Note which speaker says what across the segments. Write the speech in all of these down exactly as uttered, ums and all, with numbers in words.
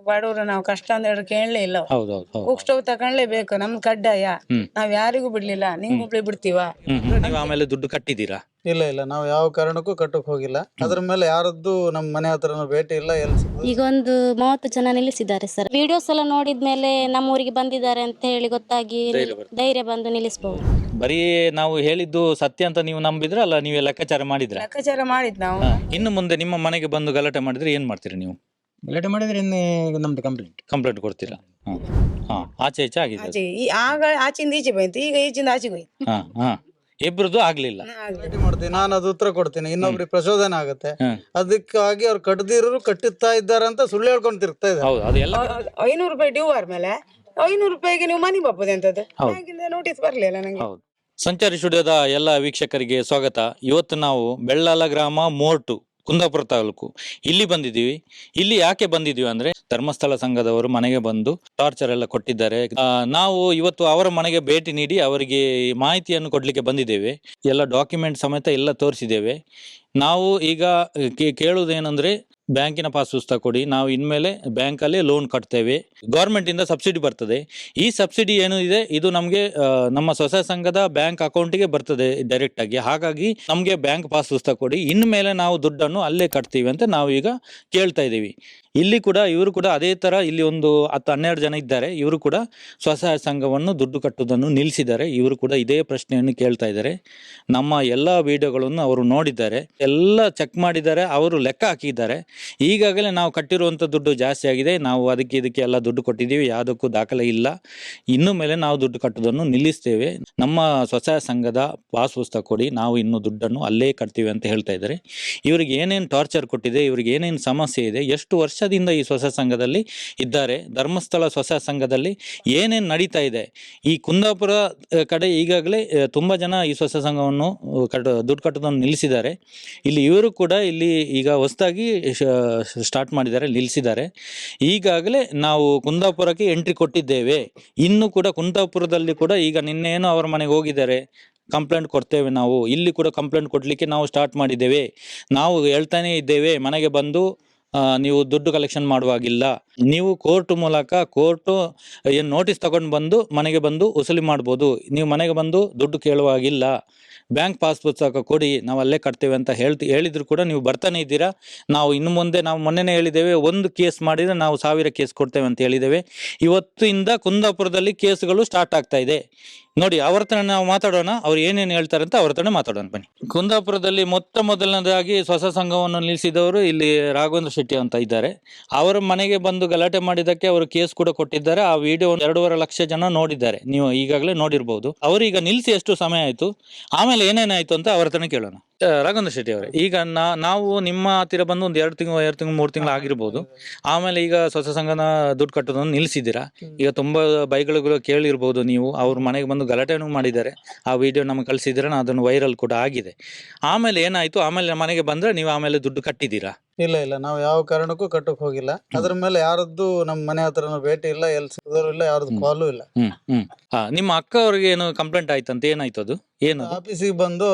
Speaker 1: ಬಡವರು ನಾವು ಕಷ್ಟ ಅಂದ್ರೆ ಕೇಳಲೇ ಇಲ್ಲ.
Speaker 2: ಹೌದೌದು ಹೌದು
Speaker 1: ಕುಕ್ ಸ್ಟವ್ ತಕೊಂಡ್ಲೇಬೇಕು, ನಮ್ ಕಡ್ಡಾಯ. ನಾವ್ ಯಾರಿಗೂ ಬಿಡ್ಲಿಲ್ಲ, ನಿಂಗೊಬ್ಳಿ ಬಿಡ್ತೀವ.
Speaker 2: ನೀವು ಆಮೇಲೆ ದುಡ್ಡು ಕಟ್ಟಿದ್ದೀರಾ?
Speaker 3: ಇಲ್ಲ ಇಲ್ಲ ನಾವು ಯಾವ ಕಾರಣಕ್ಕೂ ಕಟ್ಟಕ್ ಹೋಗಿಲ್ಲ. ಅದ್ರ ಮೇಲೆ ಯಾರದ್ದು ನಮ್ಮ ಮನೆ ಹತ್ರ ಭೇಟಿ ಇಲ್ಲ. ಎಲ್ಲಿ
Speaker 4: ಈಗ ಒಂದು ಮೂವತ್ತು ಜನ ನಿಲ್ಲಿಸಿದ್ದಾರೆ ಸರ್. ವಿಡಿಯೋಸ್ ಎಲ್ಲ ನೋಡಿದ್ಮೇಲೆ ನಮ್ಮೂರಿಗೆ ಬಂದಿದ್ದಾರೆ ಅಂತ ಹೇಳಿ ಗೊತ್ತಾಗಿ ಧೈರ್ಯ ಬಂದು ನಿಲ್ಲಿಸಬಹುದು.
Speaker 2: ಬರೀ ನಾವು ಹೇಳಿದ್ದು ಸತ್ಯ ಅಂತ ನೀವು ನಂಬಿದ್ರ ಅಲ್ಲ, ನೀವೇ ಲೆಕ್ಕಾಚಾರ ಮಾಡಿದ್ರ?
Speaker 1: ಲೆಕ್ಕಾಚಾರ ಮಾಡಿದ್ ನಾವು.
Speaker 2: ಇನ್ನು ಮುಂದೆ ನಿಮ್ಮ ಮನೆಗೆ ಬಂದು ಗಲಾಟೆ ಮಾಡಿದ್ರೆ ಏನ್ ಮಾಡ್ತೀರಿ ನೀವು?
Speaker 5: ಗಲಾಟೆ ಮಾಡಿದ್ರೆ ಇನ್ನು ನಮ್ದು ಕಂಪ್ಲೇಂಟ್
Speaker 2: ಕಂಪ್ಲೇಂಟ್ ಕೊಡ್ತೀರಾ? ಹಾ ಹಾ ಆಚೆ ಈಚೆ ಆಗಿದೆ.
Speaker 1: ಆಚೆ ಈ- ಆಗ ಆಚಿಂದ ಈಚೆ ಬಂತು, ಈಗ ಈಚಿಂದ ಆಚೆಗೆ ಹೋಯ್ತು.
Speaker 2: ಹಾ ಹಾ ಇಬ್ರದ್ದು ಆಗ್ಲಿಲ್ಲ.
Speaker 3: ಭೇಟಿ ಮಾಡ್ತೀನಿ, ನಾನು ಅದು ಉತ್ತರ ಕೊಡ್ತೀನಿ, ಇನ್ನೊಬ್ರಿಗೆ ಪ್ರಚೋದನೆ ಆಗುತ್ತೆ. ಅದಕ್ಕಾಗಿ ಅವ್ರು ಕಟ್ಟದಿರೋರು ಕಟ್ಟುತ್ತಾ ಇದ್ದಾರೆ ಅಂತ ಸುಳ್ಳು ಹೇಳ್ಕೊಂಡು ತಿರ್ಗ್ತಾ ಇದ್ದಾರೆ.
Speaker 2: ಹೌದು ಅದು ಎಲ್ಲ
Speaker 1: ಐನೂರು ರೂಪಾಯಿ ಡ್ಯೂ ಆದ್ಮೇಲೆ ಐನೂರು ರೂಪಾಯಿಗೆ ನೀವು ಮನೆ ಬಾಪದೆ ಅಂತದ್ದು ನೋಟಿಸ್ ಬರ್ಲಿಲ್ಲ ನಂಗೆ.
Speaker 2: ಹೌದು. ಸಂಚಾರಿ ಸ್ಟುಡಿಯೋದ ಎಲ್ಲ ವೀಕ್ಷಕರಿಗೆ ಸ್ವಾಗತ. ಇವತ್ತು ನಾವು ಬೆಳ್ಳಾಲ ಗ್ರಾಮ ಮೋರ್ಟು, ಕುಂದಾಪುರ ತಾಲೂಕು, ಇಲ್ಲಿ ಬಂದಿದ್ದೀವಿ. ಇಲ್ಲಿ ಯಾಕೆ ಬಂದಿದ್ದೀವಿ ಅಂದ್ರೆ ಧರ್ಮಸ್ಥಳ ಸಂಘದವರು ಮನೆಗೆ ಬಂದು ಟಾರ್ಚರ್ ಎಲ್ಲ ಕೊಟ್ಟಿದ್ದಾರೆ. ಆ, ನಾವು ಇವತ್ತು ಅವರ ಮನೆಗೆ ಭೇಟಿ ನೀಡಿ ಅವರಿಗೆ ಮಾಹಿತಿಯನ್ನು ಕೊಡ್ಲಿಕ್ಕೆ ಬಂದಿದ್ದೇವೆ. ಎಲ್ಲ ಡಾಕ್ಯುಮೆಂಟ್ ಸಮೇತ ಎಲ್ಲ ತೋರಿಸಿದ್ದೇವೆ. ನಾವು ಈಗ ಕೇಳುವುದೇನೆಂದ್ರೆ ಬ್ಯಾಂಕಿನ ಪಾಸ್ ಪುಸ್ತಕ ಕೊಡಿ, ನಾವು ಇನ್ಮೇಲೆ ಬ್ಯಾಂಕಲ್ಲೇ ಲೋನ್ ಕಟ್ತೇವೆ, ಗೌರ್ಮೆಂಟ್ ಇಂದ ಸಬ್ಸಿಡಿ ಬರ್ತದೆ. ಈ ಸಬ್ಸಿಡಿ ಏನು ಇದೆ ಇದು ನಮಗೆ ನಮ್ಮ ಸ್ವಸಹಾಯ ಸಂಘದ ಬ್ಯಾಂಕ್ ಅಕೌಂಟಿಗೆ ಬರ್ತದೆ ಡೈರೆಕ್ಟ್ ಆಗಿ. ಹಾಗಾಗಿ ನಮಗೆ ಬ್ಯಾಂಕ್ ಪಾಸ್ ಪುಸ್ತಕ ಕೊಡಿ, ಇನ್ಮೇಲೆ ನಾವು ದುಡ್ಡನ್ನು ಅಲ್ಲೇ ಕಟ್ತೀವಿ ಅಂತ ನಾವು ಈಗ ಕೇಳ್ತಾ ಇದ್ದೀವಿ. ಇಲ್ಲಿ ಕೂಡ ಇವರು ಕೂಡ ಅದೇ ತರ, ಇಲ್ಲಿ ಒಂದು ಹತ್ತು ಹನ್ನೆರಡು ಜನ ಇದ್ದಾರೆ. ಇವರು ಕೂಡ ಸ್ವಸಹಾಯ ಸಂಘವನ್ನು ದುಡ್ಡು ಕಟ್ಟುವುದನ್ನು ನಿಲ್ಲಿಸಿದ್ದಾರೆ. ಇವರು ಕೂಡ ಇದೇ ಪ್ರಶ್ನೆಯನ್ನು ಕೇಳ್ತಾ ಇದ್ದಾರೆ. ನಮ್ಮ ಎಲ್ಲ ವಿಡಿಯೋಗಳನ್ನು ಅವರು ನೋಡಿದ್ದಾರೆ, ಎಲ್ಲ ಚೆಕ್ ಮಾಡಿದ್ದಾರೆ, ಅವರು ಲೆಕ್ಕ ಹಾಕಿದ್ದಾರೆ. ಈಗಾಗಲೇ ನಾವು ಕಟ್ಟಿರುವಂಥ ದುಡ್ಡು ಜಾಸ್ತಿ ಆಗಿದೆ, ನಾವು ಅದಕ್ಕೆ ಇದಕ್ಕೆ ಎಲ್ಲ ದುಡ್ಡು ಕೊಟ್ಟಿದ್ದೀವಿ, ಯಾವುದಕ್ಕೂ ದಾಖಲೆ ಇಲ್ಲ. ಇನ್ನು ಮೇಲೆ ನಾವು ದುಡ್ಡು ಕಟ್ಟುವುದನ್ನು ನಿಲ್ಲಿಸ್ತೇವೆ, ನಮ್ಮ ಸ್ವಸಹಾಯ ಸಂಘದ ಪಾಸ್ ಪುಸ್ತಕ ಕೊಡಿ, ನಾವು ಇನ್ನು ದುಡ್ಡನ್ನು ಅಲ್ಲೇ ಕಟ್ತೀವಿ ಅಂತ ಹೇಳ್ತಾ ಇದ್ದಾರೆ. ಇವರಿಗೆ ಏನೇನು ಟಾರ್ಚರ್ ಕೊಟ್ಟಿದೆ, ಇವರಿಗೆ ಏನೇನು ಸಮಸ್ಯೆ ಇದೆ, ಎಷ್ಟು ವರ್ಷದಿಂದ ಈ ಸ್ವಸಹಾಯ ಸಂಘದಲ್ಲಿ ಇದ್ದಾರೆ, ಧರ್ಮಸ್ಥಳ ಸ್ವಸಹಾಯ ಸಂಘದಲ್ಲಿ ಏನೇನು ನಡೀತಾ ಇದೆ. ಈ ಕುಂದಾಪುರ ಕಡೆ ಈಗಾಗಲೇ ತುಂಬ ಜನ ಈ ಸ್ವಸಹಾಯ ಸಂಘವನ್ನು ಕಟ್ ದುಡ್ಡು ಕಟ್ಟೋದನ್ನು ನಿಲ್ಲಿಸಿದ್ದಾರೆ. ಇಲ್ಲಿ ಇವರು ಕೂಡ ಇಲ್ಲಿ ಈಗ ಹೊಸದಾಗಿ ಸ್ಟಾರ್ಟ್ ಮಾಡಿದ್ದಾರೆ, ನಿಲ್ಲಿಸಿದ್ದಾರೆ. ಈಗಾಗಲೇ ನಾವು ಕುಂದಾಪುರಕ್ಕೆ ಎಂಟ್ರಿ ಕೊಟ್ಟಿದ್ದೇವೆ. ಇನ್ನು ಕೂಡ ಕುಂದಾಪುರದಲ್ಲಿ ಕೂಡ ಈಗ ನಿನ್ನೇನು ಅವರ ಮನೆಗೆ ಹೋಗಿದ್ದಾರೆ, ಕಂಪ್ಲೇಂಟ್ ಕೊಡ್ತೇವೆ ನಾವು. ಇಲ್ಲಿ ಕೂಡ ಕಂಪ್ಲೇಂಟ್ ಕೊಡಲಿಕ್ಕೆ ನಾವು ಸ್ಟಾರ್ಟ್ ಮಾಡಿದ್ದೇವೆ. ನಾವು ಹೇಳ್ತಾನೆ ಇದ್ದೇವೆ, ಮನೆಗೆ ಬಂದು ನೀವು ದುಡ್ಡು ಕಲೆಕ್ಷನ್ ಮಾಡುವಾಗಿಲ್ಲ, ನೀವು ಕೋರ್ಟ್ ಮೂಲಕ ಕೋರ್ಟು ಏನು ನೋಟಿಸ್ ತಗೊಂಡು ಬಂದು ಮನೆಗೆ ಬಂದು ವಸೂಲಿ ಮಾಡ್ಬೋದು, ನೀವು ಮನೆಗೆ ಬಂದು ದುಡ್ಡು ಕೇಳುವಾಗಿಲ್ಲ, ಬ್ಯಾಂಕ್ ಪಾಸ್ ಪುಸ್ತಕ ಕೊಡಿ, ನಾವು ಅಲ್ಲೇ ಕಟ್ತೇವೆ ಅಂತ ಹೇಳ್ತಿ ಹೇಳಿದ್ರು ಕೂಡ ನೀವು ಬರ್ತಾನೆ ಇದ್ದೀರಾ. ನಾವು ಇನ್ನು ಮುಂದೆ ನಾವು ಮೊನ್ನೆನೇ ಹೇಳಿದ್ದೇವೆ, ಒಂದು ಕೇಸ್ ಮಾಡಿದರೆ ನಾವು ಸಾವಿರ ಕೇಸ್ ಕೊಡ್ತೇವೆ ಅಂತ ಹೇಳಿದ್ದೇವೆ. ಇವತ್ತಿಂದ ಕುಂದಾಪುರದಲ್ಲಿ ಕೇಸ್ಗಳು ಸ್ಟಾರ್ಟ್ ಆಗ್ತಾ ಇದೆ. ನೋಡಿ, ಅವ್ರ ಹತ್ರ ನಾವು ಮಾತಾಡೋಣ, ಅವ್ರು ಏನೇನು ಹೇಳ್ತಾರೆ ಅಂತ ಅವ್ರ ಹತ್ರನೇ ಮಾತಾಡೋಣ ಬನ್ನಿ. ಕುಂದಾಪುರದಲ್ಲಿ ಮೊತ್ತ ಮೊದಲನೇದಾಗಿ ಸ್ವಸಹಾಯ ಸಂಘವನ್ನು ನಿಲ್ಲಿಸಿದವರು ಇಲ್ಲಿ ರಾಘವೇಂದ್ರ ಶೆಟ್ಟಿ ಅಂತ ಇದ್ದಾರೆ. ಅವರ ಮನೆಗೆ ಬಂದು ಗಲಾಟೆ ಮಾಡಿದ್ದಕ್ಕೆ ಅವರು ಕೇಸ್ ಕೂಡ ಕೊಟ್ಟಿದ್ದಾರೆ. ಆ ವಿಡಿಯೋ ಎರಡೂವರೆ ಲಕ್ಷ ಜನ ನೋಡಿದ್ದಾರೆ, ನೀವು ಈಗಾಗಲೇ ನೋಡಿರ್ಬೋದು. ಅವರೀಗ ನಿಲ್ಲಿಸಿ ಎಷ್ಟು ಸಮಯ ಆಯಿತು, ಆಮೇಲೆ ಏನೇನಾಯ್ತು ಅಂತ ಅವ್ರ ಹತ್ರನೇ ಕೇಳೋಣ. ರಾಘವೇಂದ್ರ ಶೆಟ್ಟಿ ಅವರೇ, ಈಗ ನಾ ನಾವು ನಿಮ್ಮ ಹತ್ತಿರ ಬಂದು ಒಂದು ಎರಡು ತಿಂಗಳು ಎರಡು ತಿಂಗಳು ಮೂರು ತಿಂಗಳು ಆಗಿರ್ಬೋದು. ಆಮೇಲೆ ಈಗ ಸ್ವಸಹಾಯ ಸಂಘನ ದುಡ್ಡು ಕಟ್ಟೋದನ್ನು ನಿಲ್ಲಿಸಿದ್ದೀರಾ. ಈಗ ತುಂಬಾ ಬೈಗಳು ಕೇಳಿರ್ಬೋದು ನೀವು, ಅವ್ರ ಮನೆಗೆ ಬಂದು ಗಲಾಟೆನೂ ಮಾಡಿದ್ದಾರೆ. ಆ ವಿಡಿಯೋ ನಮಗೆ ಕಳಿಸಿದ್ರೆ ಅದನ್ನು ವೈರಲ್ ಕೂಡ ಆಗಿದೆ. ಆಮೇಲೆ ಏನಾಯ್ತು, ಆಮೇಲೆ ಮನೆಗೆ ಬಂದ್ರೆ ನೀವು ಆಮೇಲೆ ದುಡ್ಡು ಕಟ್ಟಿದ್ದೀರಾ?
Speaker 3: ಇಲ್ಲ ಇಲ್ಲ ನಾವು ಯಾವ ಕಾರಣಕ್ಕೂ ಕಟ್ಟಕ್ ಹೋಗಿಲ್ಲ. ಅದ್ರ ಮೇಲೆ ಯಾರದ್ದು ನಮ್ಮ ಮನೆ ಹತ್ರ ಭೇಟಿ ಇಲ್ಲ, ಎಲ್ಲಿ ಸಿಗೋರು ಇಲ್ಲ, ಯಾರದ್ದು ಕಾಲು ಇಲ್ಲ.
Speaker 2: ಹ್ಮ್ ಹ್ಮ್ ಹಾ ನಿಮ್ಮ ಅಕ್ಕ ಅವ್ರಿಗೆ ಏನು ಕಂಪ್ಲೇಂಟ್ ಆಯ್ತಂತ? ಏನಾಯ್ತು ಅದು? ಏನು
Speaker 3: ಆಫೀಸಿಗೆ ಬಂದು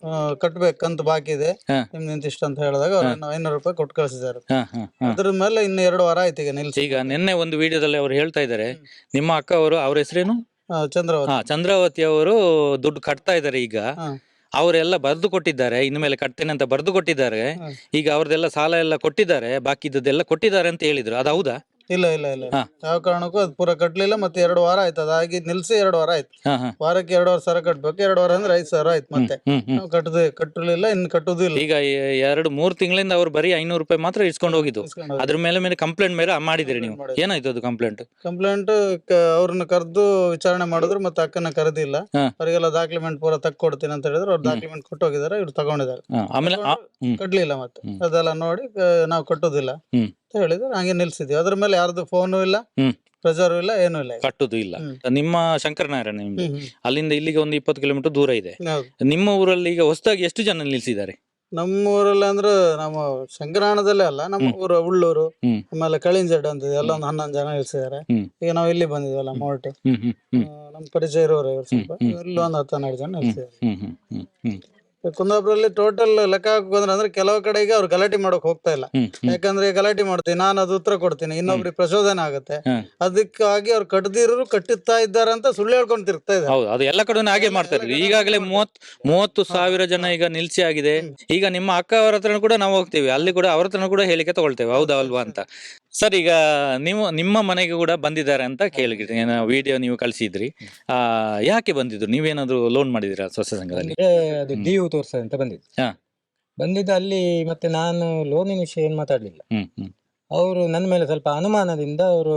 Speaker 3: ಕಟ್ಬೇಕಂತ ಬಾಕಿ ಇದೆ ನಿಮ್ದು ಇಂತಿಷ್ಟ ಅಂತ ಹೇಳಿದಾಗ ಅವ್ರು ಐನೂರು ರೂಪಾಯಿ ಕೊಟ್ಟು ಕಳಿಸಿದ್ದಾರೆ. ಅದ್ರ ಮೇಲೆ ಇನ್ನು ಎರಡು ವಾರ ಆಯ್ತು ಈಗ ನಿಲ್ಸಿ.
Speaker 2: ಈಗ ನಿನ್ನೆ ಒಂದು ವಿಡಿಯೋದಲ್ಲಿ ಅವ್ರು ಹೇಳ್ತಾ ಇದ್ದಾರೆ, ನಿಮ್ಮ ಅಕ್ಕ ಅವರು, ಅವ್ರ ಹೆಸರೇನು?
Speaker 3: ಚಂದ್ರಾವತಿ.
Speaker 2: ಹಾ ಚಂದ್ರಾವತಿ ಅವರು ದುಡ್ಡು ಕಟ್ತಾ ಇದ್ದಾರೆ. ಈಗ ಅವರೆಲ್ಲ ಬರೆದು ಕೊಟ್ಟಿದ್ದಾರೆ, ಇನ್ಮೇಲೆ ಕಟ್ತೇನೆ ಅಂತ ಬರೆದು ಕೊಟ್ಟಿದ್ದಾರೆ. ಈಗ ಅವ್ರದ್ದೆಲ್ಲ ಸಾಲ ಎಲ್ಲ ಕೊಟ್ಟಿದ್ದಾರೆ, ಬಾಕಿದ್ದೆಲ್ಲ ಕೊಟ್ಟಿದ್ದಾರೆ ಅಂತ ಹೇಳಿದ್ರು, ಅದು ಹೌದಾ?
Speaker 3: ಇಲ್ಲ ಇಲ್ಲ ಇಲ್ಲ ಯಾವ ಕಾರಣಕ್ಕೂ ಅದು ಪೂರ ಕಟ್ಲಿಲ್ಲ. ಮತ್ತೆ ಎರಡು ವಾರ ಆಯ್ತು, ಅದಾಗಿ ನಿಲ್ಸಿ ಎರಡು ವಾರ ಆಯ್ತು. ವಾರಕ್ಕೆ ಎರಡುವರೆ ಸಾವಿರ ಕಟ್ಬೇಕು. ಎರಡು ವಾರ ಅಂದ್ರೆ ಐದು ಸಾವಿರ ಆಯ್ತು. ಮತ್ತೆ ಕಟ್ಟದೆ ಕಟ್ಟಲಿಲ್ಲ, ಇನ್ನು ಕಟ್ಟುದು ಇಲ್ಲ.
Speaker 2: ಈಗ ಎರಡು ಮೂರು ತಿಂಗಳಿಂದ ಅವ್ರು ಬರೀ ಐನೂರು ರೂಪಾಯಿ ಮಾತ್ರ ಇಸ್ಕೊಂಡು ಹೋಗಿದ್ದು. ಅದ್ರ ಮೇಲೆ ಮೇಲೆ ಕಂಪ್ಲೇಂಟ್ ಮೇಲೆ ಮಾಡಿದ್ರಿ ನೀವು? ಏನಾಯ್ತು ಅದು ಕಂಪ್ಲೇಂಟ್?
Speaker 3: ಕಂಪ್ಲೇಂಟ್ ಅವ್ರನ್ನ ಕರೆದು ವಿಚಾರಣೆ ಮಾಡಿದ್ರು, ಮತ್ತೆ ಅಕ್ಕನ ಕರೆದಿಲ್ಲ. ಅವರಿಗೆಲ್ಲ ಡಾಕ್ಯುಮೆಂಟ್ ಪೂರ ತಕ್ಕೊಡ್ತೀನಿ ಅಂತ ಹೇಳಿದ್ರು. ಅವ್ರು ಡಾಕ್ಯುಮೆಂಟ್ ಕೊಟ್ಟು ಹೋಗಿದ್ದಾರೆ, ಇವ್ರು ತಗೊಂಡಿದ್ದಾರೆ.
Speaker 2: ಆಮೇಲೆ
Speaker 3: ಕಟ್ಲಿಲ್ಲ. ಮತ್ತೆ ಅದೆಲ್ಲ ನೋಡಿ ನಾವು ಕಟ್ಟುದಿಲ್ಲ ಅಂತ ಹೇಳಿದ್ರೆ ಹಂಗೆ ನಿಲ್ಸಿದ್ವಿ. ಅದ್ರ ಮೇಲೆ ಯಾರ್ದು ಫೋನು ಇಲ್ಲ, ಪ್ರೆಜರ್ ಇಲ್ಲ, ಏನು ಇಲ್ಲ, ಕಟ್ಟುದು
Speaker 2: ಇಲ್ಲ. ನಿಮ್ಮ ಶಂಕರನಾರಾಯಣ ನಿಮ್ದು ಅಲ್ಲಿಂದ ಇಲ್ಲಿಗೆ ಒಂದು ಇಪ್ಪತ್ತು ಕಿಲೋಮೀಟರ್ ದೂರ ಇದೆ. ನಿಮ್ಮ ಊರಲ್ಲಿ ಈಗ ಹೊಸದಾಗಿ ಎಷ್ಟು ಜನ ನಿಲ್ಸಿದ್ದಾರೆ?
Speaker 3: ನಮ್ಮ ಊರಲ್ಲಿ ಅಂದ್ರೆ ನಮ್ಮ ಶಂಕರಾಯಣದಲ್ಲೇ ಅಲ್ಲ, ನಮ್ಮ ಊರು ಉಳ್ಳೂರು, ಆಮೇಲೆ ಕಳಿಂಜಡ್ ಅಂತ ಎಲ್ಲ ಒಂದು ಹನ್ನೊಂದು ಜನ ನಿಲ್ಸಿದ್ದಾರೆ. ಈಗ ನಾವು ಇಲ್ಲಿ ಬಂದಿದ್ವಲ್ಲ ಮೋರ್ಟಿ, ನಮ್ಮ ಪರಿಚಯ ಇರೋರು ಇವ್ರು ಸ್ವಲ್ಪ, ಇಲ್ಲಿ ಒಂದು ಹತ್ತು ಹನ್ನೆರಡು ಜನ ನಿಲ್ಸಿದ್ದಾರೆ. ಕುಂದಾಪುರಲ್ಲಿ ಟೋಟಲ್ ಲೆಕ್ಕ ಹಾಕೋದ್ರೆ ಅಂದ್ರೆ ಕೆಲವು ಕಡೆಗೆ ಅವ್ರು ಗಲಾಟೆ ಮಾಡಕ್ ಹೋಗ್ತಾ ಇಲ್ಲ.
Speaker 2: ಹ್ಮ್ ಹ್ಮ್
Speaker 3: ಯಾಕಂದ್ರೆ ಗಲಾಟೆ ಮಾಡ್ತೀನಿ ನಾನು ಅದು ಉತ್ತರ ಕೊಡ್ತೀನಿ, ಇನ್ನೊಬ್ರಿಗೆ ಪ್ರಚೋದನೆ ಆಗುತ್ತೆ.
Speaker 2: ಹ್ಮ್.
Speaker 3: ಅದಕ್ಕಾಗಿ ಅವ್ರು ಕಟ್ಟದಿರೋರು ಕಟ್ಟುತ್ತಾ ಇದ್ದಾರೆ ಅಂತ ಸುಳ್ಳು ಹೇಳ್ಕೊಂಡು ತಿರ್ಗ್ತಾ ಇದ್ದಾರೆ.
Speaker 2: ಹೌದು, ಅದು ಎಲ್ಲ ಕಡೆ ಹಾಗೆ ಮಾಡ್ತಾ ಇದ್ರು. ಈಗಾಗಲೇ ಮೂವತ್ ಮೂವತ್ತು ಸಾವಿರ ಜನ ಈಗ ನಿಲ್ಸಿ ಆಗಿದೆ. ಈಗ ನಿಮ್ಮ ಅಕ್ಕ ಅವರ ಹತ್ರ ಕೂಡ ನಾವು ಹೋಗ್ತೀವಿ, ಅಲ್ಲಿ ಕೂಡ ಅವ್ರ ಹತ್ರ ಕೂಡ ಹೇಳಿಕೆ ತಗೊಳ್ತೇವೆ, ಹೌದಾ ಅಲ್ವಾ ಅಂತ. ಸರ್, ಈಗ ನೀವು ನಿಮ್ಮ ಮನೆಗೆ ಕೂಡ ಬಂದಿದ್ದಾರೆ ಅಂತ ಕೇಳಿದ್ರಿ, ವಿಡಿಯೋ ನೀವು ಕಳಿಸಿದ್ರಿ. ಆ ಯಾಕೆ ಬಂದಿದ್ರು? ನೀವೇನಾದ್ರು ಲೋನ್ ಮಾಡಿದಿರಾ ಸ್ವಸಹಾಯ ಸಂಘದಲ್ಲಿ?
Speaker 5: ಅಂದ್ರೆ ಅದು ಡಿಯು ತೋರ್ಸ ಅಂತ ಬಂದಿದ್ದು.
Speaker 2: ಹಾ.
Speaker 5: ಬಂದಿದ್ದು ಅಲ್ಲಿ ಮತ್ತೆ ನಾನು ಲೋನಿನ ವಿಷಯ ಏನ್ ಮಾತಾಡ್ಲಿಲ್ಲ.
Speaker 2: ಹ್ಮ್ ಹ್ಮ್
Speaker 5: ಅವರು ನನ್ನ ಮೇಲೆ ಸ್ವಲ್ಪ ಅನುಮಾನದಿಂದ ಅವರು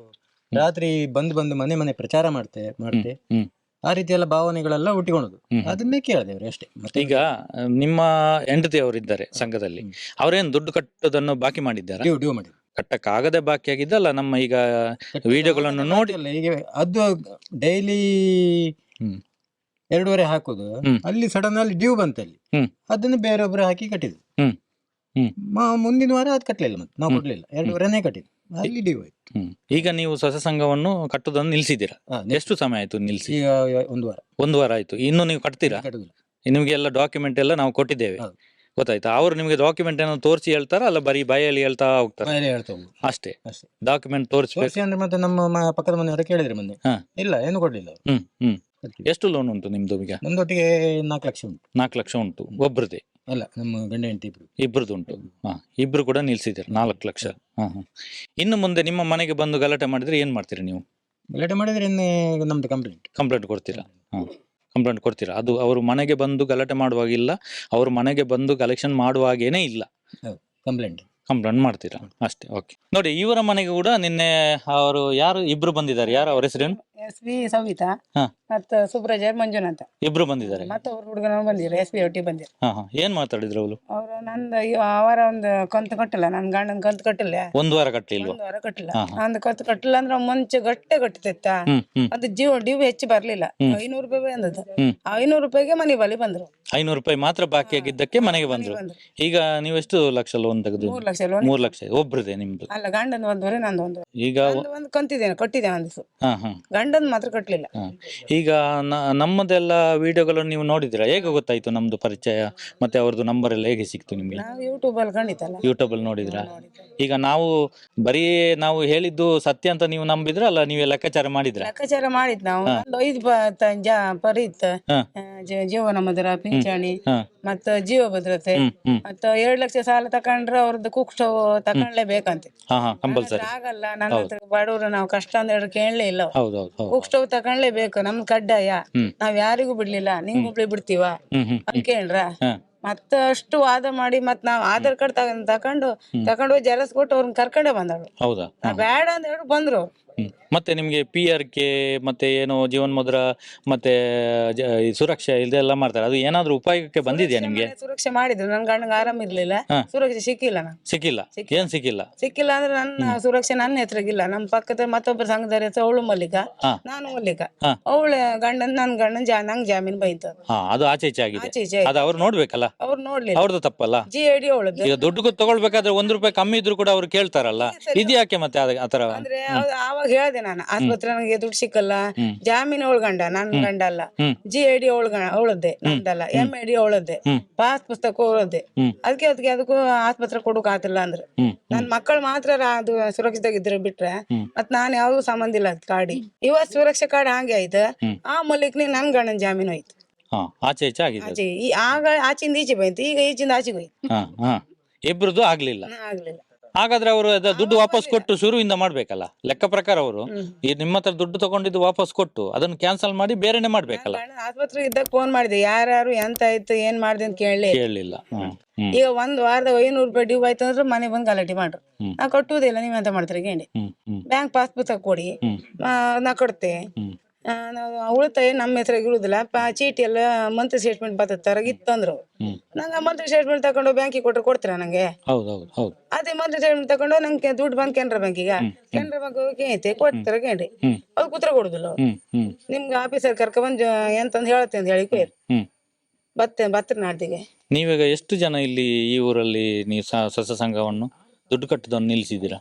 Speaker 5: ರಾತ್ರಿ ಬಂದು ಬಂದು ಮನೆ ಮನೆ ಪ್ರಚಾರ ಮಾಡ್ತೆ ಮಾಡ್ತೆ
Speaker 2: ಹ್ಮ್
Speaker 5: ಆ ರೀತಿ ಎಲ್ಲ ಭಾವನೆಗಳೆಲ್ಲ ಹುಟ್ಟಿಕೊಳ್ಳೋದು.
Speaker 2: ಹ್ಮ್.
Speaker 5: ಅದನ್ನೇ ಕೇಳಿದೆವ್ರು ಅಷ್ಟೇ. ಮತ್ತೆ
Speaker 2: ಈಗ ನಿಮ್ಮ ಹೆಂಡತಿ ಅವರಿದ್ದಾರೆ ಸಂಘದಲ್ಲಿ, ಅವ್ರೇನ್ ದುಡ್ಡು ಕಟ್ಟೋದನ್ನು ಬಾಕಿ ಮಾಡಿದ್ದಾರಾ?
Speaker 5: ಡ್ಯೂ ಡ್ಯೂ ಮಾಡಿ
Speaker 2: ಕಟ್ಟಕ್ಕಾಗದೆ ಬಾಕಿ ಆಗಿದ್ದಲ್ಲ, ನಮ್ಮ ಈಗ ವಿಡಿಯೋಗಳನ್ನು ನೋಡಿ
Speaker 5: ಅಲ್ಲ, ಈಗ ಅದು ಡೈಲಿ
Speaker 2: ಹ್ಮ್
Speaker 5: ಎರಡೂವರೆ ಹಾಕುದು.
Speaker 2: ಹ್ಮ್.
Speaker 5: ಅಲ್ಲಿ ಸಡನ್ ಅಲ್ಲಿ ಡ್ಯೂ ಬಂತಲ್ಲಿ,
Speaker 2: ಹ್ಮ್.
Speaker 5: ಅದನ್ನು ಬೇರೊಬ್ರು ಹಾಕಿ ಕಟ್ಟಿದ್ರು.
Speaker 2: ಹ್ಮ್ ಹ್ಮ್
Speaker 5: ಮ- ಮುಂದಿನ ವಾರ ಅದು ಕಟ್ಟಲಿಲ್ಲ, ಮತ್ತೆ ನಾವು ಕೊಡ್ಲಿಲ್ಲ, ಎರಡೂವರೆನೇ ಕಟ್ಟಿದ್ದು, ಅಲ್ಲಿ ಡ್ಯೂ ಆಯ್ತು.
Speaker 2: ಹ್ಮ್ ಈಗ ನೀವು ಸ್ವಸಹಾಯ ಸಂಘವನ್ನು ಕಟ್ಟುದನ್ನು ನಿಲ್ಸಿದ್ದೀರಾ?
Speaker 5: ಹಾ,
Speaker 2: ಎಷ್ಟು ಸಮಯ ಆಯ್ತು ನಿಲ್ಸಿ?
Speaker 5: ಈಗ ಒಂದು ವಾರ
Speaker 2: ಒಂದು ವಾರ ಆಯ್ತು. ಇನ್ನು ನೀವು ಕಟ್ತೀರಾ?
Speaker 5: ಕಟ್ಟುದಿಲ್ಲ.
Speaker 2: ನಿಮ್ಗೆ ಎಲ್ಲ ಡಾಕ್ಯುಮೆಂಟ್ ಎಲ್ಲ ನಾವು ಕೊಟ್ಟಿದ್ದೇವೆ,
Speaker 5: ಹೌದು.
Speaker 2: ಗೊತ್ತಾಯ್ತಾ? ಅವ್ರು ನಿಮ್ಗೆ ಡಾಕ್ಯುಮೆಂಟ್ ಏನೋ ತೋರಿಸಿ ಹೇಳ್ತಾರ, ಅಲ್ಲ ಬರೀ ಬಾಯಲ್ಲಿ ಹೇಳ್ತಾ ಹೋಗ್ತಾರ?
Speaker 5: ಬಾಯಲ್ಲಿ ಹೇಳ್ತಾ ಹೋಗುದು
Speaker 2: ಅಷ್ಟೇ,
Speaker 5: ಅಷ್ಟೇ.
Speaker 2: ಡಾಕ್ಯುಮೆಂಟ್ ತೋರಿಸ್ಬೇಕು.
Speaker 5: ತೋರಿಸಿ ಅಂದ್ರೆ ಮತ್ತೆ ನಮ್ಮ ಮ- ಪಕ್ಕದ ಮನೆಯವರ ಕೇಳಿದ್ರೆ ಮೊನ್ನೆ,
Speaker 2: ಹಾ.
Speaker 5: ಇಲ್ಲ ಏನು ಕೊಡ್ಲಿಲ್ಲ ಅವ್ರು.
Speaker 2: ಹ್ಮ್ ಹ್ಮ್
Speaker 5: ಕಟ್ಲಿಲ್ಲ.
Speaker 2: ಎಷ್ಟು ಲೋನ್ ಉಂಟು ನಿಮ್ದು ಈಗ?
Speaker 5: ನಮ್ದೊಟ್ಟಿಗೆ ನಾಲ್ಕು ಲಕ್ಷ ಉಂಟು.
Speaker 2: ನಾಲ್ಕು ಲಕ್ಷ ಉಂಟು ಒಬ್ರದೇ?
Speaker 5: ಅಲ್ಲ, ನಮ್ಮ ಗಂಡ ಹೆಂಡತಿ ಇಬ್ರು.
Speaker 2: ಇಬ್ರದ್ದು ಉಂಟು. ಹಾ, ಇಬ್ರು ಕೂಡ ನಿಲ್ಸಿದ್ದೀರಾ ನಾಲ್ಕು ಲಕ್ಷ. ಹಾ ಹಾ ಇನ್ನು ಮುಂದೆ ನಿಮ್ಮ ಮನೆಗೆ ಬಂದು ಗಲಾಟೆ ಮಾಡಿದ್ರೆ ಏನ್ ಮಾಡ್ತೀರಿ ನೀವು?
Speaker 5: ಗಲಾಟೆ ಮಾಡಿದ್ರೆ ಇನ್ನೇ ನಮ್ದು ಕಂಪ್ಲೇಂಟ್.
Speaker 2: ಕಂಪ್ಲೇಂಟ್ ಕೊಡ್ತೀರಾ? ಹಾ, ಕಂಪ್ಲೇಂಟ್ ಕೊಡ್ತೀರಾ? ಅದು ಅವರು ಮನೆಗೆ ಬಂದು ಗಲಾಟೆ ಮಾಡುವಾಗಿಲ್ಲ, ಅವ್ರ ಮನೆಗೆ ಬಂದು ಕಲೆಕ್ಷನ್ ಮಾಡುವಾಗೇನೆ ಇಲ್ಲ,
Speaker 5: ಕಂಪ್ಲೇಂಟ್
Speaker 2: ಕಂಪ್ಲೇಂಟ್ ಮಾಡ್ತೀರಾ ಅಷ್ಟೇ. ಓಕೆ. ನೋಡಿ, ಇವರ ಮನೆಗೆ ಕೂಡ ನಿನ್ನೆ ಅವರು ಯಾರು ಇಬ್ರು ಬಂದಿದ್ದಾರೆ. ಯಾರು ಅವ್ರ ಹೆಸರೇನು?
Speaker 1: ಎಸ್ ಪಿ ಸವಿತಾ
Speaker 2: ಹಾ.
Speaker 1: ಮತ್ತ ಸುಬ್ರಜ ಮಂಜುನಾಥ
Speaker 2: ಇಬ್ರು ಬಂದಿದ್ದಾರೆ.
Speaker 1: ಮತ್ತ ಅವ್ರ ಹುಡುಗನ ಬಂದಿರ ಎಸ್ ಪಿ ಒಟ್ಟಿಗೆ ಬಂದಿರ.
Speaker 2: ಹಾ ಹಾ ಏನ್ ಮಾತಾಡಿದ್ರು ಅವಳು?
Speaker 1: ಅವ್ರ ನಂದು ಇವ- ಅವರ ಒಂದು ಕಂತು ಕಟ್ಟಿಲ್ಲ, ನನ್ ಗಂಡನ ಕಂತು ಕಟ್ಟಿಲ್ಲ,
Speaker 2: ಒಂದ್ ವಾರ ಕಟ್ಲಿಲ್ವಾ?
Speaker 1: ಒಂದ್ ವಾರ ಕಟ್ಟಿಲ್ಲ.
Speaker 2: ಹಾ, ಹಾ.
Speaker 1: ಅಂದ್ ಕಂತು ಕಟ್ಟಿಲ್ಲ ಅಂದ್ರೆ ಮುಂಚೆ ಗಟ್ಟೆ ಕಟ್ಟಿತ್ತ.
Speaker 2: ಹ್ಮ್ ಹ್ಮ್
Speaker 1: ಅದು ಜೀವ ಡ್ಯೂ ಹೆಚ್ಚು ಬರ್ಲಿಲ್ಲ,
Speaker 2: ಹ್ಮ್.
Speaker 1: ಐನೂರು ರೂಪಾಯಿ ಬಂದದ್ದು.
Speaker 2: ಹ್ಮ್.
Speaker 1: ಐನೂರು ರೂಪಾಯಿಗೆ ಮನೆ ಬಳಿ ಬಂದ್ರು.
Speaker 2: ಐನೂರು ರೂಪಾಯಿ ಮಾತ್ರ ಬಾಕಿ ಆಗಿದ್ದಕ್ಕೆ ಮನೆಗೆ ಬಂದ್ರು.
Speaker 1: ಬಂದ್ರು.
Speaker 2: ಈಗ ನೀವೆಷ್ಟು ಲಕ್ಷ ಲೋನ್ ತೆಗೆದು?
Speaker 1: ಮೂರ್ ಲಕ್ಷ ಲೋನ್.
Speaker 2: ಮೂರ್ ಲಕ್ಷ ಒಬ್ರದೇ ನಿಮ್ದು?
Speaker 1: ಅಲ್ಲ, ಗಂಡನ ಒಂದೂವರೆ ನಂದು ಒಂದು.
Speaker 2: ಈಗ
Speaker 1: ನಂದು ಒಂದು ಕಂತಿದ್ದೇನೆ, ಕಟ್ಟಿದ್ದೇನೆ ಒಂದು ದಿವಸ.
Speaker 2: ಹಾ ಹಾ
Speaker 1: ಗಂಡನ್ ಮಾತ್ರ ಕಟ್ಟಲಿಲ್ಲ.
Speaker 2: ಹಾ. ಈಗ ನ- ನಮ್ಮದೆಲ್ಲ ವಿಡಿಯೋಗಳನ್ನು ನೀವು ನೋಡಿದಿರಾ? ಹೇಗೆ ಗೊತ್ತಾಯ್ತು ನಮ್ದು ಪರಿಚಯ ಮತ್ತೆ ಅವ್ರದ್ದು ನಂಬರ್ ಎಲ್ಲ ಹೇಗೆ ಸಿಕ್ತು ನಿಮ್ಗೆ?
Speaker 1: ನಾವು ಯೂಟ್ಯೂಬ್ ಅಲ್ಲಿ ಕಂಡಿತಲ್ಲ.
Speaker 2: ಯೂಟ್ಯೂಬ್ ಅಲ್ಲಿ ನೋಡಿದ್ರಾ? ಈಗ ನಾವು ಬರೀ ನಾವು ಹೇಳಿದ್ದು ಸತ್ಯ ಅಂತ ನೀವು ನಂಬಿದ್ರ, ಅಲ್ಲ ನೀವೇ ಲೆಕ್ಕಾಚಾರ ಮಾಡಿದ್ರ?
Speaker 1: ಲೆಕ್ಕಾಚಾರ ಮಾಡಿದ್ ನಾವು. ನಂದು ಐದು ಪ- ತ- ಜ- ಪರಿ ಇತ್ತು.
Speaker 2: ಹಾ.
Speaker 1: ಆ, ಜೀವ- ಜೀವನ ಮಧುರ, ಪಿಂಚಣಿ,
Speaker 2: ಹಾ.
Speaker 1: ಮತ್ತ ಜೀವ ಭದ್ರತೆ,
Speaker 2: ಹ್ಮ್ ಹ್ಮ್
Speaker 1: ಮತ್ತ ಎರಡ್ ಲಕ್ಷ ಸಾಲ ತಕೊಂಡ್ರೆ ಅವ್ರದ್ದು ಕುಕ್ ಸ್ಟವ್ ತಕೊಂಡ್ಲೇಬೇಕಂತ.
Speaker 2: ಹಾ ಹಾ ಕಂಪಲ್ಸರಿ.
Speaker 1: ಆಗಲ್ಲ, ನನ್ನ ಹತ್ರ ಬಡವರು, ನಾವು ಕಷ್ಟ ಅಂದ್ರೆ ಕೇಳಲೇ ಇಲ್ಲ.
Speaker 2: ಹೌದೌದು ಹೌದು.
Speaker 1: ಕುಕ್ ಸ್ಟವ್ ತಕೊಂಡ್ಲೇಬೇಕು, ನಮ್ದು ಕಡ್ಡಾಯ.
Speaker 2: ಹ್ಮ್.
Speaker 1: ನಾವ್ ಯಾರಿಗೂ ಬಿಡ್ಲಿಲ್ಲ, ನಿಂಗ್ ಒಬ್ಳಿ ಬಿಡ್ತೀವ
Speaker 2: ಹ್ಮ್ ಹ್ಮ್
Speaker 1: ಅಂತ ಕೇಳ್ರ.
Speaker 2: ಹಾ.
Speaker 1: ಮತ್ತ ಅಷ್ಟು ವಾದ ಮಾಡಿ ಮತ್ ನಾವ್ ಆಧಾರ್ ಕಾರ್ಡ್ ತಗೊಂಡ್ ತಕೊಂಡು ತಕೊಂಡು ಹೋಗಿ ಜೆರಾಕ್ಸ್ ಕೊಟ್ಟು ಅವ್ರನ್ನ ಕರ್ಕೊಂಡೇ ಬಂದಳು.
Speaker 2: ಹೌದಾ?
Speaker 1: ನಾ ಬೇಡ ಅಂತ ಹೇಳಿ ಬಂದ್ರು.
Speaker 2: ಹ್ಮ್. ಮತ್ತೆ ನಿಮ್ಗೆ ಪಿ ಆರ್ ಕೆ ಮತ್ತೆ ಏನೋ ಜೀವನ್ ಮುದ್ರ ಮತ್ತೆ ಜ- ಈ ಸುರಕ್ಷಾ ಇದೆಲ್ಲ ಮಾಡ್ತಾರೆ, ಅದು ಏನಾದ್ರೂ ಉಪಯೋಗಕ್ಕೆ ಬಂದಿದ್ಯಾ ನಿಮ್ಗೆ?
Speaker 1: ಮನೆ ಸುರಕ್ಷೆ ಮಾಡಿದ್ರು, ನನ್ ಗಂಡಂಗ ಆರಾಮ ಇರ್ಲಿಲ್ಲ,
Speaker 2: ಹಾ.
Speaker 1: ಸುರಕ್ಷೆ ಸಿಕ್ಕಿಲ್ಲ ನಂಗೆ.
Speaker 2: ಸಿಕ್ಕಿಲ್ಲ? ಏನ್ ಸಿಕ್ಕಿಲ್ಲ?
Speaker 1: ಸಿಕ್ಕಿಲ್ಲ ಅಂದ್ರೆ ನನ್ನ ಸುರಕ್ಷೆ ನನ್ನ ಹೆಸರಿಗಿಲ್ಲ. ನಮ್ಮ ಪಕ್ಕದ ಮತ್ತೊಬ್ಬರ ಸಂಘದ ಹೆಸರು ಅವಳು ಮಲ್ಲಿಕ,
Speaker 2: ಹಾ.
Speaker 1: ನಾನು ಮಲ್ಲಿಕ.
Speaker 2: ಹಾ.
Speaker 1: ಅವಳ ಗಂಡನ್ ನನ್ ಗಂಡನ್ ಜಾ ನಂಗ್ ಜಾಮೀನ್ ಬೈತು.
Speaker 2: ಹಾ, ಅದು ಆಚೆ ಈಚೆ ಆಗಿದೆ.
Speaker 1: ಆಚೆ ಈಚೆ
Speaker 2: ಅದು ಅವ್ರು ನೋಡ್ಬೇಕಲ್ಲ,
Speaker 1: ಅವ್ರು ನೋಡ್ಲಿಲ್ಲ.
Speaker 2: ಅವ್ರದ್ದು ತಪ್ಪಲ್ಲ.
Speaker 1: ಜಿ ಐ ಡಿ ಅವಳದ್ದು.
Speaker 2: ಈಗ ದುಡ್ಡು ತಗೊಳ್ಬೇಕಾದ್ರೆ ಒಂದ್ ರೂಪಾಯಿ ಕಮ್ಮಿ ಇದ್ರು ಕೂಡ ಅವ್ರು ಕೇಳ್ತಾರಲ್ಲ, ಇದ್ಯಾಕೆ ಮತ್ತೆ ಅದ- ಆತರ?
Speaker 1: ಅಂದ್ರೆ ಅವ್- ಆವಾಗ ಹೇಳ್ದೆ ನಾನು, ಆಸ್ಪತ್ರೆ ನನಗೆ ದುಡ್ಡು ಸಿಕ್ಕಲ್ಲ,
Speaker 2: ಹ್ಮ್.
Speaker 1: ಜಾಮೀನ್ ಅವಳ ಗಂಡ, ನನ್ ಗಂಡ ಅಲ್ಲ.
Speaker 2: ಹ್ಮ್.
Speaker 1: ಜಿ ಐ ಡಿ ಅವಳ ಅವಳದ್ದೆ, ನಂದಲ್ಲ. ಎಂ ಐ ಡಿ ಅವಳದ್ದೆ,
Speaker 2: ಹ್ಮ್.
Speaker 1: ಪಾಸ್ ಪುಸ್ತಕ ಅವಳದ್ದೆ.
Speaker 2: ಹ್ಮ್.
Speaker 1: ಅದಕ್ಕೆ ಅದಕ್ಕೆ ಅದಕ್ಕೂ ಆಸ್ಪತ್ರೆ ಕೊಡಕ್ ಆತಿಲ್ಲ ಅಂದ್ರೆ
Speaker 2: ಹ್ಮ್
Speaker 1: ನನ್ ಮಕ್ಕಳು ಮಾತ್ರ ರಾ- ಅದು ಸುರಕ್ಷಿತಾಗಿದ್ರೆ ಬಿಟ್ರೆ
Speaker 2: ಹ್ಮ್.
Speaker 1: ಮತ್ ನಾನ್ ಯಾವ್ದು ಸಂಬಂಧ ಇಲ್ಲ ಅದ್ ಕಾಡಿ. ಇವತ್ ಸುರಕ್ಷಾ ಕಾರ್ಡ್ ಹಂಗೆ ಆಯ್ತು.
Speaker 2: ಹ್ಮ್.
Speaker 1: ಆ ಮಲ್ಲಿಕ್ನಿ ನನ್ ಗಂಡನ್ ಜಾಮೀನು ಹೋಯ್ತು.
Speaker 2: ಹಾ, ಆಚೆ ಈಚೆ ಆಗಿದೆ ಅದು.
Speaker 1: ಆಚೆ ಈ ಆಗ ಆಚಿಂದ ಈಚೆ ಬಂತು, ಈಗ ಈಚಿಂದ ಆಚೆಗೆ ಹೋಯ್ತು.
Speaker 2: ಹಾ ಹಾ ಇಬ್ರದ್ದು ಆಗ್ಲಿಲ್ಲ.
Speaker 1: ಹ್ಮ್, ಆಗ್ಲಿಲ್ಲ.
Speaker 2: ಹಾಗಾದ್ರೆ ಅವರು ಅದ ದುಡ್ಡು ವಾಪಸ್ ಕೊಟ್ಟು ಶುರುವಿಂದ ಮಾಡ್ಬೇಕಲ್ಲ ಲೆಕ್ಕ ಪ್ರಕಾರ. ಅವರು ಈ ನಿಮ್ಮ ಹತ್ರ ದುಡ್ಡು ತಗೊಂಡಿದ್ದು ವಾಪಸ್ ಕೊಟ್ಟು ಅದನ್ನು ಕ್ಯಾನ್ಸಲ್ ಮಾಡಿ ಬೇರೆನೆ ಮಾಡ್ಬೇಕಲ್ಲ.
Speaker 1: ಗಂಡನ್ ಆಸ್ಪತ್ರೆಗೆ ಇದ್ದಾಗ ಫೋನ್ ಮಾಡಿದೆ, ಯಾರು ಎಂತ ಆಯ್ತು ಏನ್ ಮಾಡ್ದೆ ಅಂತ ಕೇಳಲಿ.
Speaker 2: ಕೇಳಲಿಲ್ಲ. ಹ್ಮ್ ಹ್ಮ್
Speaker 1: ಈಗ ಒಂದ್ ವಾರದ ಐನೂರು ರೂಪಾಯಿ ಡ್ಯೂ ಆಯ್ತು ಅಂದ್ರೆ ಮನೆ ಬಂದು ಗಲಾಟೆ ಮಾಡ್ರು.
Speaker 2: ಹ್ಮ್.
Speaker 1: ನಾ ಕಟ್ಟುವುದಿಲ್ಲ, ನೀವ್ ಎಂತ ಮಾಡ್ತೀರಿ ಗೇಂಡಿ,
Speaker 2: ಹ್ಮ್ ಹ್ಮ್
Speaker 1: ಬ್ಯಾಂಕ್ ಪಾಸ್ ಪುಸ್ತಕ ಕೊಡಿ,
Speaker 2: ಹ್ಮ್.
Speaker 1: ಆ, ನಾ ಕೊಡ್ತೆ.
Speaker 2: ಹ್ಮ್
Speaker 1: ಆ, ನಾವು ಉಳಿತಾಯ ನಮ್ಮ ಹೆಸರಾಗಿ ಇರುದಿಲ್ಲ, ಪ- ಚೀಟಿ ಎಲ್ಲ ಮಂತ್ಲಿ ಸ್ಟೇಟ್ಮೆಂಟ್ ಬರ್ತದ ಇತ್ತಂದ್ರು.
Speaker 2: ಹ್ಮ್.
Speaker 1: ನಂಗೆ ಮಂತ್ಲಿ ಸ್ಟೇಟ್ಮೆಂಟ್ ತಗೊಂಡು ಬ್ಯಾಂಕಿಗೆ ಕೊಟ್ರೆ ಕೊಡ್ತೀರಾ ನಂಗೆ?
Speaker 2: ಹೌದೌದು ಹೌದು.
Speaker 1: ಅದೇ ಮಂತ್ಲಿ ಸ್ಟೇಟ್ಮೆಂಟ್ ತಗೊಂಡು ನಂಗೆ ದುಡ್ಡು ಬಂದ್ ಕೆನರಾ ಬ್ಯಾಂಕಿಗ, ಕೆನರಾ ಬ್ಯಾಂಕ್ ಹೋಗಿ ಐತೆ ಕೊಡ್ತಾರ ಗೇಂಡಿ,
Speaker 2: ಹ್ಮ್.
Speaker 1: ಅದು ಕೂತ್ರ ಕೊಡುದಿಲ್ಲ ಅವ್ರು.
Speaker 2: ಹ್ಮ್ ಹ್ಮ್
Speaker 1: ನಿಮ್ಗೆ ಆಫೀಸರ್ ಕರ್ಕ ಬಂದ್ ಎಂತಂದ್ ಹೇಳತ್ತೆ ಅಂತ ಹೇಳಿ ಕೊಯ್ರು
Speaker 2: ಹ್ಮ್
Speaker 1: ಬತ್ತೆ ಬತ್ತರ ನಾಡ್ದಿಗೆ.
Speaker 2: ನೀವೀಗ ಎಷ್ಟು ಜನ ಇಲ್ಲಿ ಈ ಊರಲ್ಲಿ ನೀವು ಸ- ಸ್ವಸ ಸಂಘವನ್ನು ದುಡ್ಡು ಕಟ್ಟುದನ್ನು ನಿಲ್ಲಿಸಿದ್ದೀರಾ?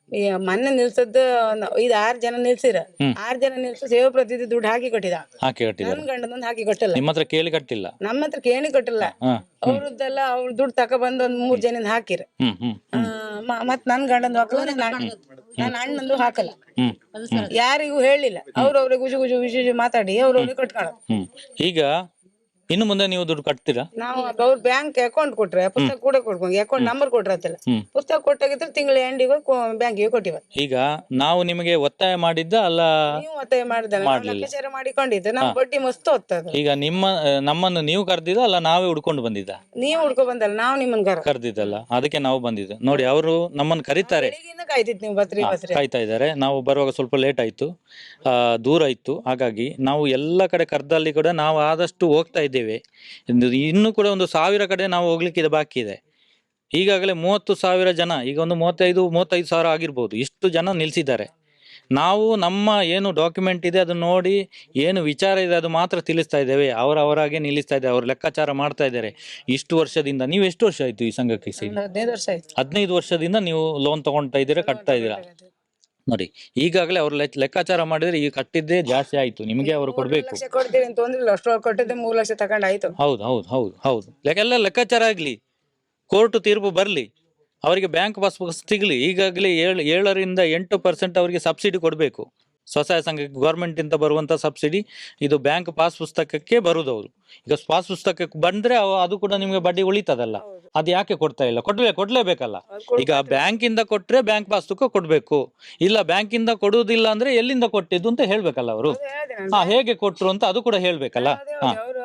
Speaker 1: ಈ ಮೊನ್ನೆ ನಿಲ್ಸದ್ದು ನ- ಐದ್ ಆರ್ ಜನ ನಿಲ್ಸಿರ ಆರ್ ಜನ ನಿಲ್ಸ ಸೇವಾ ಪ್ರತಿನಿಧಿ ದುಡ್ಡು ಹಾಕಿ ಕೊಟ್ಟಿದ.
Speaker 2: ಹಾಕಿ ಕಟ್ಟಿದ್ದಾರೆ.
Speaker 1: ನನ್ ಗಂಡನೊಂದು ಹಾಕಿ ಕೊಟ್ಟಿಲ್ಲ,
Speaker 2: ನಿಮ್ಮ ಹತ್ರ ಕೇಳಿ ಕಟ್ಟಿಲ್ಲ.
Speaker 1: ನಮ್ಮ ಹತ್ರ ಕೇಳಿ ಕೊಟ್ಟಿಲ್ಲ.
Speaker 2: ಹಾ.
Speaker 1: ಅವ್ರದ್ದೆಲ್ಲ ಅವ್ರ ದುಡ್ಡು ತಕೊಬಂದು ಒಂದ್ ಮೂರ್ ಜನ ಹಾಕಿರ.
Speaker 2: ಹ್ಮ್ ಹ್ಮ್
Speaker 1: ಆ, ಮ- ಮತ್ ನನ್ ಗಂಡಂದು ಹಾಕಲ್ಲ, ನನ್ನ ಅಣ್ಣಂದು ಹಾಕಲ್ಲ,
Speaker 2: ಹ್ಮ್
Speaker 1: ಯಾರಿಗೂ ಹೇಳಿಲ್ಲ. ಅವ್ರವ್ರೆ ಗುಜು ಗುಜು ವಿಜು ವಿಜು ಮಾತಾಡಿ ಅವ್ರವ್ರೆ ಕಟ್ಕೊಳ್ಳೋದು.
Speaker 2: ಹ್ಮ್ ಈಗ ಇನ್ನು ಮುಂದೆ ನೀವು ದುಡ್ಡು ಕಟ್ತೀರಾ?
Speaker 1: ನಾವು ಅವ್ರ ಬ್ಯಾಂಕ್ ಅಕೌಂಟ್ ಕೊಟ್ರೆ ಪುಸ್ತಕ ಕೂಡ ಕೊಡ್ಕೊಂಡು ಅಕೌಂಟ್ ನಂಬರ್ ಕೊಟ್ರತ್ತಲ್ಲ,
Speaker 2: ಹ್ಮ್.
Speaker 1: ಪುಸ್ತಕ ಕೊಟ್ಟಾಗಿದ್ರೆ ತಿಂಗಳ ಎಂಡಿಗೆ ಬ್ಯಾಂಕಿಗೆ ಕೊಟ್ಟಿವ.
Speaker 2: ಈಗ ನಾವು ನಿಮಗೆ ಒತ್ತಾಯ ಮಾಡಿದ್ದ ಅಲ್ಲ?
Speaker 1: ನೀವು ಒತ್ತಾಯ ಮಾಡಿದ ಲೆಕ್ಕಾಚಾರ ಮಾಡಿಕೊಂಡಿದ್ದು ನಾವು ಬಡ್ಡಿ ಮಸ್ತ್ ಹೊತ್ತದ.
Speaker 2: ಈಗ ನಿಮ್ಮ ನಮ್ಮನ್ನು ನೀವು ಕರೆದಿದ್ದ ಅಲ್ಲ ನಾವೇ ಹುಡ್ಕೊಂಡು ಬಂದಿದ್ದ?
Speaker 1: ನೀವು ಹುಡ್ಕೊ ಬಂದಲ್ಲ, ನಾವು ನಿಮ್ಮನ್ ಕರ
Speaker 2: ಕರೆದಿದ್ದಲ್ಲ, ಅದಕ್ಕೆ ನಾವು ಬಂದಿದ್ದು. ನೋಡಿ ಅವರು ನಮ್ಮನ್ನು ಕರೀತಾರೆ,
Speaker 1: ಬೆಳಿಗ್ಗೆಯಿಂದ ಕಾಯ್ತಿತ್ತು ನೀವು ಬತ್ರಿ ಬಸ್ರಿ.
Speaker 2: ಕಾಯ್ತಾ ಇದ್ದಾರೆ. ನಾವು ಬರುವಾಗ ಸ್ವಲ್ಪ ಲೇಟ್ ಆಯ್ತು, ಆ, ದೂರ ಇತ್ತು. ಹಾಗಾಗಿ ನಾವು ಎಲ್ಲ ಕಡೆ ಕರ್ದಲ್ಲಿ ಕೂಡ ನಾವು ಆದಷ್ಟು ಹೋಗ್ತಾ ಇದ್ದೇವೆ. ಇನ್ನು- ಇನ್ನು ಕೂಡ ಒಂದು ಸಾವಿರ ಕಡೆ ನಾವು ಹೋಗ್ಲಿಕ್ಕೆ ಬಾಕಿ ಇದೆ. ಈಗಾಗಲೇ ಮೂವತ್ತು ಸಾವಿರ ಜನ, ಈಗ ಒಂದು ಮೂವತ್ತೈದು ಮೂವತ್ತೈದು ಸಾವಿರ ಆಗಿರ್ಬೋದು, ಇಷ್ಟು ಜನ ನಿಲ್ಸಿದ್ದಾರೆ. ನಾವು ನಮ್ಮ ಏನು ಡಾಕ್ಯುಮೆಂಟ್ ಇದೆ ಅದನ್ನ ನೋಡಿ ಏನು ವಿಚಾರ ಇದೆ ಅದು ಮಾತ್ರ ತಿಳಿಸ್ತಾ ಇದ್ದೇವೆ. ಅವರ ಅವರಾಗೆ ನಿಲ್ಲಿಸ್ತಾ ಇದ್ದಾರೆ, ಅವ್ರು ಲೆಕ್ಕಾಚಾರ ಮಾಡ್ತಾ ಇದ್ದಾರೆ. ಇಷ್ಟು ವರ್ಷದಿಂದ ನೀವು ಎಷ್ಟು ವರ್ಷ ಆಯ್ತು ಈ ಸಂಘಕ್ಕೆ ಸೇರಿ?
Speaker 1: ಒಂದು ಹದಿನೈದು ವರ್ಷ ಆಯ್ತು.
Speaker 2: ಹದಿನೈದು ವರ್ಷದಿಂದ ನೀವು ಲೋನ್ ತಗೊಳ್ತಾ ಇದ್ದೀರಾ, ಕಟ್ತಾ ಇದ್ದೀರಾ. ನೋಡಿ ಈಗಾಗಲೇ ಅವ್ರು ಲೆಕ್- ಲೆಕ್ಕಾಚಾರ ಮಾಡಿದ್ರೆ ಈಗ ಕಟ್ಟಿದ್ದೇ ಜಾಸ್ತಿ ಆಯ್ತು, ನಿಮಗೆ ಅವರು ಕೊಡ್ಬೇಕು.
Speaker 1: ಲಕ್ಷ ಕೊಡ್ತೀವಿ ಅಂತ ತೊಂದ್ರೆ ಅಷ್ಟು ಕೊಟ್ಟಿದ್ದೆ ಮೂರ್ ಲಕ್ಷ ತಗೊಂಡಾಯ್ತು.
Speaker 2: ಹೌದು ಹೌದು ಹೌದು ಹೌದು ಎಲ್ಲ ಲೆಕ್ಕಾಚಾರ ಆಗ್ಲಿ, ಕೋರ್ಟ್ ತೀರ್ಪು ಬರ್ಲಿ, ಅವರಿಗೆ ಬ್ಯಾಂಕ್ ಪಾಸ್ ಬುಕ್ ಸಿಗ್ಲಿ. ಈಗಾಗಲೇ ಏಳು ಏಳರಿಂದ ಎಂಟು ಪರ್ಸೆಂಟ್ ಅವರಿಗೆ ಸಬ್ಸಿಡಿ ಕೊಡಬೇಕು. ಸ್ವಸಹಾಯ ಸಂಘಕ್ಕೆ ಗೌರ್ಮೆಂಟ್ ಇಂದ ಬರುವಂತ ಸಬ್ಸಿಡಿ ಇದು ಬ್ಯಾಂಕ್ ಪಾಸ್ ಪುಸ್ತಕಕ್ಕೆ ಬರುದು. ಅವರು ಈಗ ಪಾಸ್ ಪುಸ್ತಕಕ್ಕೆ ಬಂದ್ರೆ ಅವ- ಅದು ಕೂಡ ನಿಮಗೆ ಬಡ್ಡಿ ಉಳಿತದಲ್ಲ, ಅದು ಯಾಕೆ ಕೊಡ್ತಾ ಇಲ್ಲ? ಕೊಡ್ಲೇ ಕೊಡ್ಲೇಬೇಕಲ್ಲ. ಈಗ ಬ್ಯಾಂಕ್ ಇಂದ ಕೊಟ್ರೆ ಬ್ಯಾಂಕ್ ಪಾಸ್ಬುಕ್ ಕೊಡ್ಬೇಕು, ಇಲ್ಲ ಬ್ಯಾಂಕ್ ಇಂದ ಕೊಡುವುದಿಲ್ಲ ಅಂದ್ರೆ ಎಲ್ಲಿಂದ ಕೊಟ್ಟಿದ್ದು ಅಂತ ಹೇಳ್ಬೇಕಲ್ಲ ಅವರು. ಹಾ, ಹೇಗೆ ಕೊಟ್ರು ಅಂತ ಅದು ಕೂಡ ಹೇಳ್ಬೇಕಲ್ಲ. ಹಾ,
Speaker 1: ಅವರು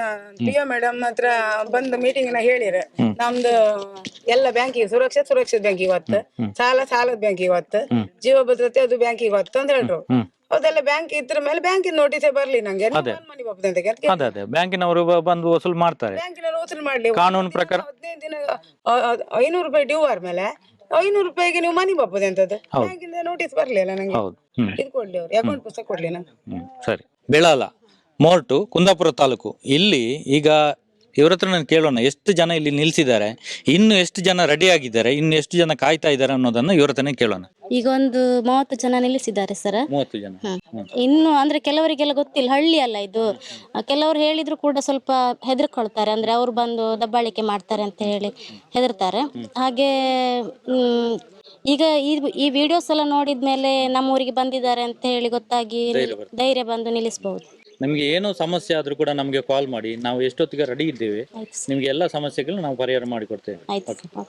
Speaker 1: ಪಿಒ ಮೇಡಮ್ ಹತ್ರ ಬಂದು ಮೀಟಿಂಗ್ ನ ಹೇಳಿರ, ನಮ್ದು ಎಲ್ಲ ಬ್ಯಾಂಕಿಗೆ ಸುರಕ್ಷಿತ ಸುರಕ್ಷಿತ ಬ್ಯಾಂಕ್ ಇವತ್ತು, ಸಾಲ ಸಾಲದ ಬ್ಯಾಂಕ್ ಇವತ್ತು, ಜೀವ ಭದ್ರತೆ ಅದು ಬ್ಯಾಂಕ್ ಇವತ್ತು ಅಂತ ಹೇಳ್ರು. ಅದೆಲ್ಲ ಬ್ಯಾಂಕ್ ಇದ್ರ ಮೇಲೆ ಬ್ಯಾಂಕಿನ ನೋಟಿಸೇ ಬರ್ಲಿ ನಂಗೆ, ಮನಿ ಬಾಪದ ಅಂತ
Speaker 2: ಅದೇ ಅದೇ ಬ್ಯಾಂಕಿನವರು ಬ- ಬಂದು ವಸೂಲ್ ಮಾಡ್ತಾರೆ.
Speaker 1: ಬ್ಯಾಂಕಿನವ್ರು ವಸೂಲು ಮಾಡ್ಲಿ.
Speaker 2: ಕಾನೂನು ಪ್ರಕಾರ
Speaker 1: ಹದಿನೈದು ದಿನ ಅ- ಅ- ಐನೂರು ರೂಪಾಯಿ ಡ್ಯೂ ಆದ್ಮೇಲೆ ಐನೂರು ರೂಪಾಯಿಗೆ ನೀವು ಮನಿ ಬಾಪದ ಅಂತದ್ದು ಬ್ಯಾಂಕಿಂದ ನೋಟಿಸ್ ಬರ್ಲಿಲ್ಲ ನಂಗೆ.
Speaker 2: ಹೌದು. ಹ್ಮ್
Speaker 1: ಇದು ಕೊಡ್ಲಿ ಅವ್ರು ಅಕೌಂಟ್ ಪುಸ್ತಕ ಕೊಡ್ಲಿ ನಂಗೆ.
Speaker 2: ಹ್ಮ್ ಸರಿ. ಬೆಳಾಲ ಮೋರ್ಟು ಕುಂದಾಪುರ ತಾಲೂಕು. ಇಲ್ಲಿ ಈಗ ಇವ್ರ ಹತ್ರ ನಾನು ಕೇಳೋಣ, ಎಷ್ಟು ಜನ ಇಲ್ಲಿ ನಿಲ್ಸಿದ್ದಾರೆ, ಇನ್ನು ಎಷ್ಟು ಜನ ರೆಡಿ ಆಗಿದ್ದಾರೆ, ಇನ್ನು ಎಷ್ಟು ಜನ ಕಾಯ್ತಾ ಇದ್ದಾರೆ ಅನ್ನೋದನ್ನ ಇವ್ರ ಹತ್ರನೇ ಕೇಳೋಣ.
Speaker 4: ಈಗ ಒಂದು ಮೂವತ್ತು ಜನ ನಿಲ್ಲಿಸಿದ್ದಾರೆ ಸರ್.
Speaker 2: ಮೂವತ್ತು ಜನ.
Speaker 4: ಹ್ಮ್. ಇನ್ನು ಅಂದ್ರೆ ಕೆಲವರಿಗೆಲ್ಲ ಗೊತ್ತಿಲ್ಲ, ಹಳ್ಳಿ ಅಲ್ಲ ಇದು. ಆ, ಕೆಲವರು ಹೇಳಿದ್ರು ಕೂಡ ಸ್ವಲ್ಪ ಹೆದರ್ಕೊಳ್ತಾರೆ, ಅಂದ್ರೆ ಅವ್ರು ಬಂದು ದಬ್ಬಾಳಿಕೆ ಮಾಡ್ತಾರೆ ಅಂತ ಹೇಳಿ ಹೆದರ್ತಾರೆ. ಹಾಗೆ ಹ್ಮ್, ಈಗ ಈ ಈ ವಿಡಿಯೋಸ್ ಎಲ್ಲ ನೋಡಿದ್ಮೇಲೆ ನಮ್ಮೂರಿಗೆ ಬಂದಿದ್ದಾರೆ ಅಂತ ಹೇಳಿ ಗೊತ್ತಾಗಿ ಧೈರ್ಯ ಬಂದು ನಿಲ್ಲಿಸಬಹುದು.
Speaker 2: ನಮ್ಗೆ ಏನೋ ಸಮಸ್ಯೆ ಆದ್ರೂ ಕೂಡ ನಮ್ಗೆ ಕಾಲ್ ಮಾಡಿ, ನಾವು ಎಷ್ಟೊತ್ತಿಗೆ ರೆಡಿ ಇದ್ದೇವೆ.
Speaker 4: ಆಯ್ತು
Speaker 2: ನಿಮ್ಗೆ ಎಲ್ಲ ಸಮಸ್ಯೆಗಳು ನಾವು ಪರಿಹಾರ ಮಾಡಿಕೊಡ್ತೇವೆ.
Speaker 4: ಆಯ್ತು.